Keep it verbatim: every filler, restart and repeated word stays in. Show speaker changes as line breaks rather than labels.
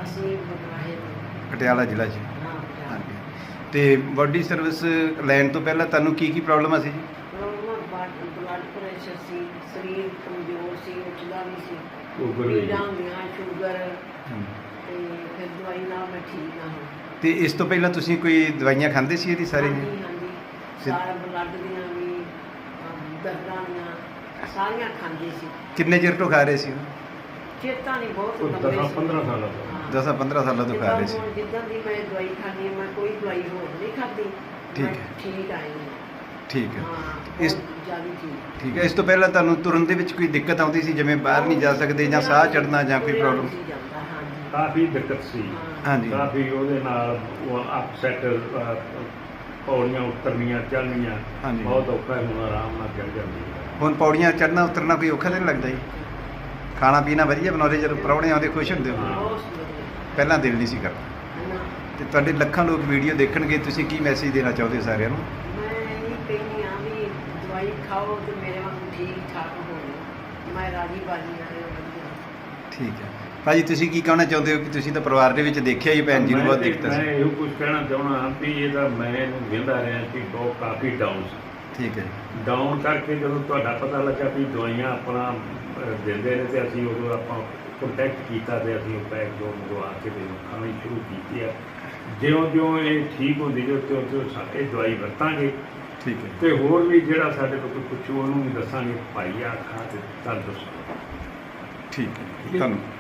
ਅਸੀਂ ਬਗਵਾਹੇ ਤੋਂ
ਪਟਿਆਲਾ ਜ਼ਿਲ੍ਹਾ 'ਚ।
ਹਾਂ ਪਟਿਆਲਾ।
ਹਾਂਜੀ ਤੇ ਬਾਡੀ ਸਰਵਿਸ ਲੈਣ ਤੋਂ ਪਹਿਲਾਂ ਤੁਹਾਨੂੰ ਕੀ ਕੀ ਪ੍ਰੋਬਲਮਾਂ ਸੀ ਜੀ?
ਪ੍ਰੋਬਲਮ ਬਲੱਡ ਪ੍ਰੈਸ਼ਰ ਸੀ, ਸਰੀਰ ਕਮਜ਼ੋਰ ਸੀ, ਉੱਠਦਾ ਨਹੀਂ ਸੀ,
ਸ਼ੂਗਰ ਵੀ।
ਪੀੜਾਂ ਹੁੰਦੀਆਂ, ਸ਼ੂਗਰ,
ਹਮ।
ਤੇ ਫਿਰ ਦਵਾਈ ਨਾਲ ਮੈਂ ਠੀਕ ਨਾ ਹੋਈ।
ਤੇ ਇਸ ਤੋਂ ਪਹਿਲਾਂ ਤੁਸੀਂ ਕੋਈ ਦਵਾਈਆਂ ਖਾਂਦੇ ਸੀ ਇਹਦੀ ਸਾਰੀ?
ਹਾਂਜੀ ਹਾਂਜੀ,
ਫਿਰ-
ਸਾਰਾ ਬਲੱਡ ਦੀਆਂ ਵੀ ਅਮ, ਦਰਦਾਂ ਦੀਆਂ ਸਾਰੀਆਂ ਖਾਂਦੀ ਸੀ।
ਕਿੰਨੇ ਚਿਰ ਤੋਂ ਖਾ ਰਹੇ ਸੀ?
ਚੇਤਾ ਨਹੀਂ ਬਹੁਤ
ਉਹ
ਲੰਬੇ
ਦਸ
ਸੀ।
ਪੰਦਰਾਂ ਸਾਲਾਂ ਤੋਂ।
ਹਾਂ।
ਦਸਾਂ ਪੰਦਰਾਂ ਸਾਲਾਂ ਤੋਂ ਖਾ ਰਹੇ ਸੀ।
ਜਿੱਦਾਂ ਹੁਣ ਜਿੱਦਾਂ ਦੀ ਮੈਂ ਦਵਾਈ ਖਾਂਦੀ ਹਾਂ, ਮੈਂ ਕੋਈ ਦਵਾਈ ਹੋਰ ਨਹੀਂ ਖਾਧੀ।
ਠੀਕ
ਮੈਂ
ਹੈ।
ਠੀਕ ਆਈ ਹਾਂ।
ਠੀਕ ਹੈ।
ਹਾਂ
ਇਸ
ਬਹੁਤ ਜ਼ਿਆਦਾ ਠੀਕ।
ਠੀਕ ਹੈ। ਇਸ ਤੋਂ ਪਹਿਲਾਂ ਤੁਹਾਨੂੰ ਤੁਰਨ ਦੇ ਵਿੱਚ ਕੋਈ ਦਿੱਕਤ ਆਉਂਦੀ ਸੀ, ਜਿਵੇਂ ਬਾਹਰ ਨਹੀਂ ਜਾ ਸਕਦੇ ਜਾਂ ਸਾਹ ਚੜਨਾ ਜਾਂ ਕੋਈ
ਤੁਰਿਆ
ਪ੍ਰੋਬਲਮ?
ਨਹੀਂ ਸੀ ਜਾਂਦਾ, ਹਾਂਜੀ।
ਕਾਫੀ ਦਿੱਕਤ ਸੀ।
ਹਾਂ।
ਹਾਂਜੀ
ਕਾਫੀ ਉਹਦੇ ਨਾਲ ਉਹ ਅਪਸੈਟ ਪੌੜੀਆਂ ਉਤਰਨੀਆਂ ਚੜ੍ਹਨੀਆਂ
ਹਾਂਜੀ।
ਬਹੁਤ ਔਖਾ ਹੈ। ਹੁਣ ਆਰਾਮ ਨਾਲ ਚੱਲ ਜਾਂਦੀ ਹੈ।
ਹੁਣ ਪੌੜੀਆਂ ਚੜਨਾ ਉਤਰਨਾ ਕੋਈ ਔਖਾ ਤਾਂ ਨਹੀਂ ਲੱਗਦਾ ਜੀ? ਖਾਣਾ ਪੀਣਾ ਵਧੀਆ ਬਣਾਉਂਦੇ, ਜਦੋਂ ਪ੍ਰਾਹੁਣੇ ਆਉਂਦੇ ਖੁਸ਼ ਹੁੰਦੇ ਹੋ?
ਬਹੁਤ ਵਧੀਆ।
ਪਹਿਲਾਂ ਦਿਲ ਨਹੀਂ ਸੀ ਕਰਦਾ।
ਨਾ,
ਤੇ ਤੁਹਾਡੇ ਲੱਖਾਂ ਲੋਕ ਵੀਡੀਓ ਦੇਖਣਗੇ, ਤੁਸੀਂ ਕੀ ਮੈਸੇਜ ਦੇਣਾ ਚਾਹੁੰਦੇ ਹੋ ਸਾਰਿਆਂ ਨੂੰ?
ਮੈਂ ਇਹ ਕਹਿੰਦੀ ਹਾਂ ਵੀ ਦਵਾਈ ਖਾਓ ਤੇ ਮੇਰੇ ਵਾਂਗੂ ਠੀਕ ਠਾਕ ਹੋਵੇ। ਮੈਂ ਰਾਜੀ ਬਾਜੀ ਨਾਲ ਵਧੀਆ।
ਠੀਕ ਹੈ ਭਾਜੀ, ਤੁਸੀਂ ਕੀ ਕਹਿਣਾ ਚਾਹੁੰਦੇ ਹੋ ਕਿ ਤੁਸੀਂ ਤਾਂ ਪਰਿਵਾਰ ਦੇ ਵਿੱਚ ਦੇਖਿਆ ਹੀ ਭੈਣ ਜੀ ਨੂੰ
ਮੈਂ
ਬਹੁਤ
ਤੇ-
ਦਿੱਕਤ
ਮੈਂ
ਸੀ?
ਇਹੋ ਕੁਝ ਕਹਿਣਾ ਚਾਹੁੰਦਾ ਹਾਂ ਵੀ ਇਹਦਾ ਮੈਂ ਇਹਨੂੰ ਵੇਂਦਾ ਰਿਹਾ ਕਿ ਬਹੁਤ ਕਾਫੀ ਡਾਊਨ ਸੀ।
ਠੀਕ ਹੈ ਜੀ।
ਡਾਊਨ ਕਰਕੇ ਜਦੋਂ ਤੁਹਾਡਾ ਪਤਾ ਲੱਗਾ ਵੀ ਦਵਾਈਆਂ ਆਪਣਾ ਅਹ, ਦਿੰਦੇ ਨੇ ਤੇ ਅਸੀਂ ਉਦੋਂ ਆਪਾਂ ਕੰਟੈਕਟ ਕੀਤਾ ਤੇ ਅਸੀਂ ਉਹ ਪੈਕ ਜੋ ਮੰਗਵਾ ਕੇ ਤੇ ਖਾਣੀ ਸ਼ੁਰੂ ਕੀਤੀ ਆ। ਜਿਉਂ ਜਿਉਂ ਇਹ ਠੀਕ ਹੁੰਦੀ ਜੋ ਤਿਉਂ ਤਿਉਂ ਸਾਡੇ ਦਵਾਈ ਵਰਤਾਂਗੇ
ਠੀਕ ਹੈ
ਤੇ ਹੋਰ ਵੀ ਜਿਹੜਾ ਸਾਡੇ ਕੋਲ ਕੋਈ ਪੁੱਛੂ ਉਹਨੂੰ ਵੀ ਦੱਸਾਂਗੇ ਭਾਈ ਆ ਖਾ ਤੇ ਤੰਦਰੁਸਤ।
ਠੀਕ ਹੈ, ਧੰਨਵਾਦ।